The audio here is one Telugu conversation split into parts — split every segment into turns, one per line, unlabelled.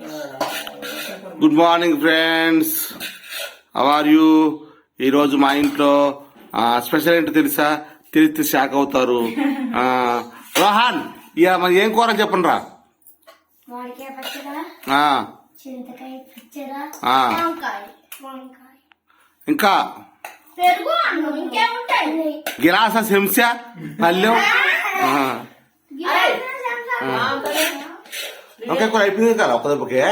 Good morning friends, how are you? ఈరోజు మా ఇంట్లో స్పెషల్ ఏంటో తెలుసా? తెలిస్తే షాక్ అవుతారు. రోహన్, ఇక మరి ఏం కూర చెప్పండి రా. ఇంకా గిలాస శంస పల్లెం ఓకే కూర అయిపోయింది కదా ఒక దెబ్బకే.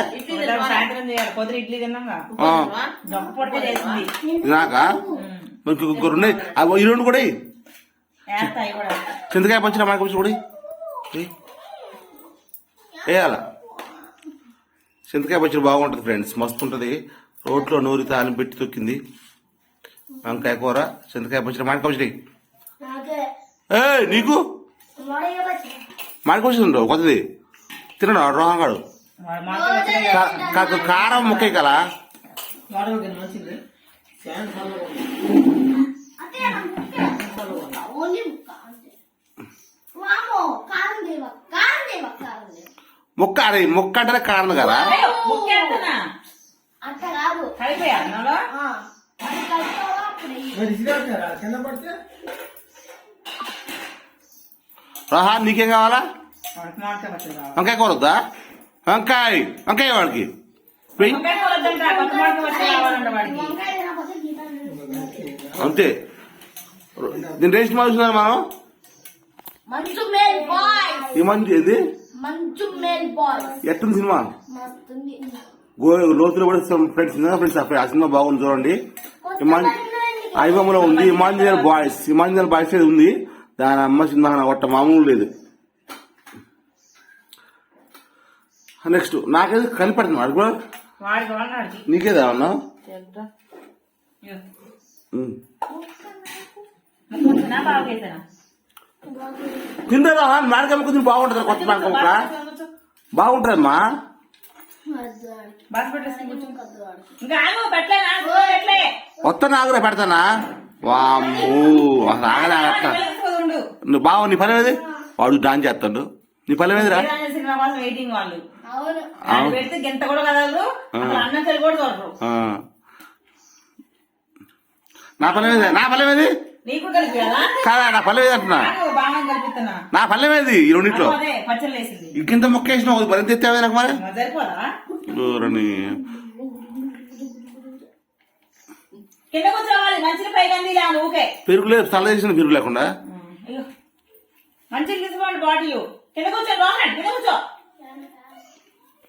నాకా ఇంకొకరు ఉన్నాయి, ఈ రెండు కూడా చింతకాయ పంచిన మాకు కూడా వేయాల. చింతకాయ పచ్చడి బాగుంటుంది ఫ్రెండ్స్, మస్తు ఉంటుంది. రోట్లో నూరి తాలిం పెట్టి తొక్కింది. వంకాయ కూర, చింతకాయ పచ్చడి, మామిడి పచ్చడి. నీకు మామిడి పచ్చడి ఉండవు కొత్తది తినడా రోహంగాడు? కారం ముక్కే కదా. ముక్క అరే ముక్క అంటే కారణం కదా. రాహా నీకేం కావాలా? వంకాయ కూర వద్దా? వంకాయ వంకాయ వాడికి అంతే. దీని రేస్ట్ చూస్తున్నారు మనం. ఈ మంచి ఏది ఎట్టుంది సినిమా? లోతులో కూడా ఫ్రెండ్స్ ఆ సినిమా బాగుంది చూడండి. ఐబొమ్మలో ఉంది. ఇమాంజినల్ బాయ్స్ ఉంది. దాని అమ్మ సినిమా కొట్ట మామూలు లేదు. నెక్స్ట్ నాకేది కనిపెడుతున్నా వాడు కూడా. నీకేదా అన్నా? తిందా మేడకాయ ముక్క బాగుంటుంది. కొత్త మేడకాయ ముక్క బాగుంటుందమ్మా. కొత్త నాగురా పెడతానా? వామ్మో అట్లా. నువ్వు బావ నీ పని ఏది? వాడు డాన్స్ చేస్తాడు. నీ పని ఏదిరా? నా పల్లె మీద కాదా? నా పల్లె మీద అంటున్నా. నా పల్లె మీద ఈ రెండింటిలో ఇంకింత మొక్క వేసిన మరింత ఎత్తావే నాకు మరి. పెరుగు లేదు, చల్ల చేసిన పెరుగు లేకుండా.